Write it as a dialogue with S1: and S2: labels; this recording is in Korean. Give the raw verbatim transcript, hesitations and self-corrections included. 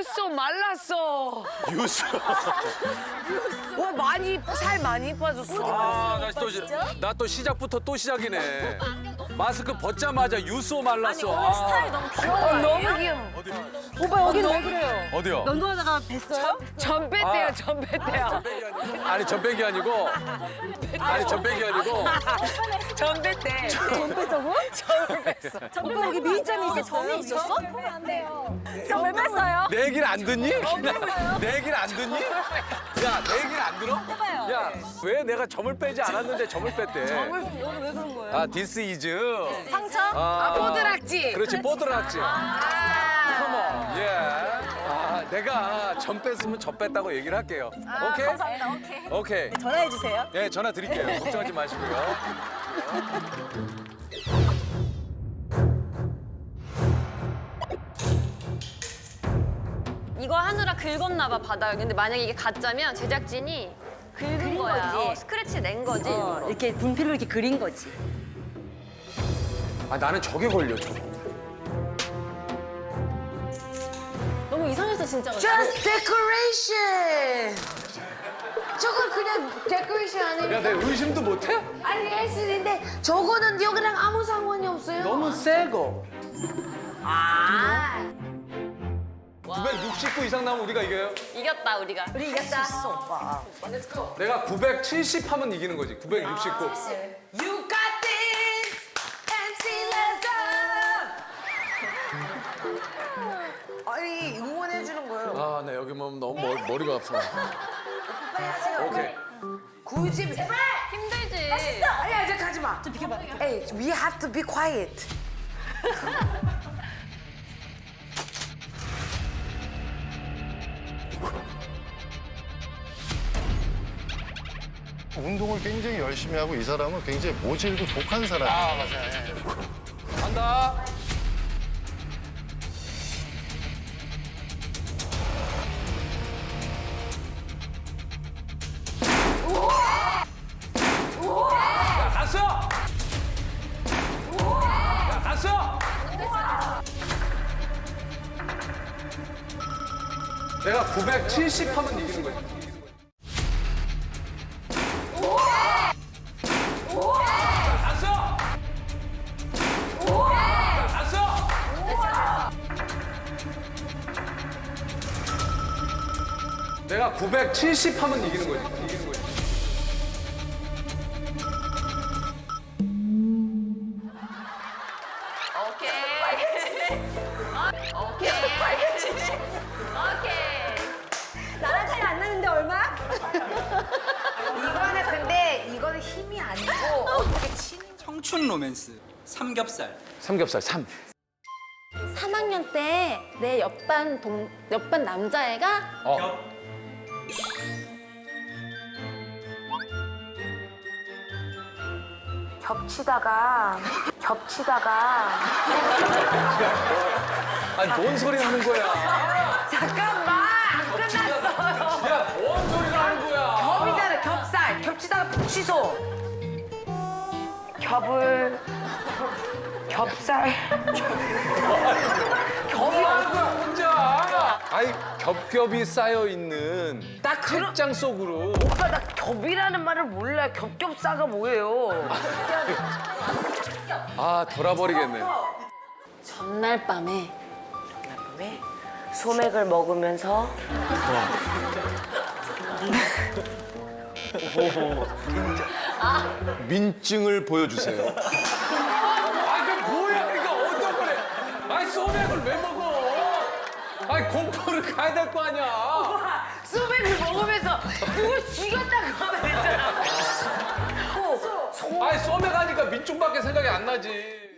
S1: 유소 말랐어.
S2: 유수.
S1: 와 많이 살 많이 빠졌어.
S2: 아, 나 또 나 또 시작부터 또 시작이네. 마스크 벗자마자 유수 말랐어.
S3: 오늘 스타일 너무 귀여워.
S1: 어, 너무 귀여워.
S3: 오빠 여기는 왜 그래요?
S2: 어디요?
S3: 면도하다가 뵀어요?
S1: 전 뺐대요,
S2: 아.
S1: 전 뺐대요.
S2: 아니 전백이 아니고. 아니 전백이 아니고.
S1: 전 뺐대.
S3: 전 뺐다고?
S1: 전을 뺐어.
S3: 오빠 여기 미인점이 있어. 점이 있었어? 안 돼요. 점왜 뺐어요?
S2: 내 얘기를 안 듣니? 내 얘기를 안 듣니? 야, 내 얘기를 안 들어?
S3: 해봐요.
S2: 야, 왜 내가 점을 빼지 않았는데 점을 뺐대?
S3: 점을 오늘 왜 그런 거예요?
S2: 아, 디스 이즈.
S3: 상처?
S1: 아, 뽀드락지.
S2: 그렇지, 뽀드락지.
S1: 아.
S2: 컴온, 예. 아, 내가 점 뺐으면 점 뺐다고 얘기를 할게요. 오케이?
S3: 감사합니다. 오케이.
S2: 오케이.
S3: 전화해 주세요.
S2: 예, 전화 드릴게요. 걱정하지 마시고요.
S4: 이거 하느라 긁었나 봐 바닥을. 근데 만약에 이게 가짜면 제작진이 긁은 거야.
S3: 거지.
S4: 어, 스크래치 낸 거지.
S3: 어, 이렇게 분필로 이렇게 그린 거지.
S2: 아, 나는 저게 걸려, 저거.
S4: 너무 이상했어 진짜.
S1: Just decoration. 저건 그냥 데코레이션 아니에요?
S2: 야, 내 의심도 못해?
S1: 아니 헬스인데 저거는 여기랑 아무 상관이 없어요.
S2: 너무 세고.
S1: 아.
S2: 구백육십구 이상 나오면 우리가 이겨요?
S4: 이겼다 우리가.
S3: 우리 이겼다. 있어, 오빠.
S2: 내가 구백칠십 하면 이기는 거지. 구백육십구.
S1: You got this. 엠씨 let's go. 아니 응원해 주는 거예요.
S2: 아, 나 여기 보면 너무 머리, 머리가 아파.
S1: 빨리 하세요.
S2: 오케이.
S1: 굳이 제발.
S4: 힘들지.
S1: 아니 아직 가지 마. 좀 비켜봐. Hey, we have to be quiet.
S5: 운동을 굉장히 열심히 하고 이 사람은 굉장히 모질고 독한 사람이에요.
S2: 아, 맞아요. 간다. 야, 갔어! 야, 갔어! 내가 구백칠십 하면 이기는 거지. 야, 갔어! 야, 갔어! 내가 구백칠십 하면 이기는 거지. 이기는 거지.
S4: 오케이.
S3: 나랑 차이 안 나는데 얼마?
S1: 이거는 근데 이거는 힘이 아니고 어떻게 치는
S6: 청춘 로맨스 삼겹살.
S2: 삼겹살 삼.
S4: 삼 학년 때 내 옆반 동 옆반 남자애가
S2: 어.
S1: 겹치다가 겹치다가
S2: 아니 뭔 소리 하는 거야?
S1: 잠깐만 안 끝났어요.
S2: 야, 뭔 소리가 하는 거야?
S1: 겹이잖아 겹살 겹치다가 붙이소 겹을 겹살
S2: 뭐 하는 거야 혼자? 아니 겹겹이 쌓여 있는
S1: 나 그런
S2: 책장 속으로.
S1: 오빠 나 겹이라는 말을 몰라 겹겹사가 뭐예요?
S2: 아 돌아버리겠네.
S4: 전날 밤에
S1: 왜 소맥을 먹으면서
S2: 민증을 보여주세요. 아 그 뭐야 이거 어떤 거래? 아니 소맥을 왜 먹어? 아니 공포를 가야 될 거 아니야.
S1: 소맥을 먹으면서 누구 죽였다고 하면 되잖아.
S2: 아니 소맥 하니까 민증밖에 생각이 안 나지.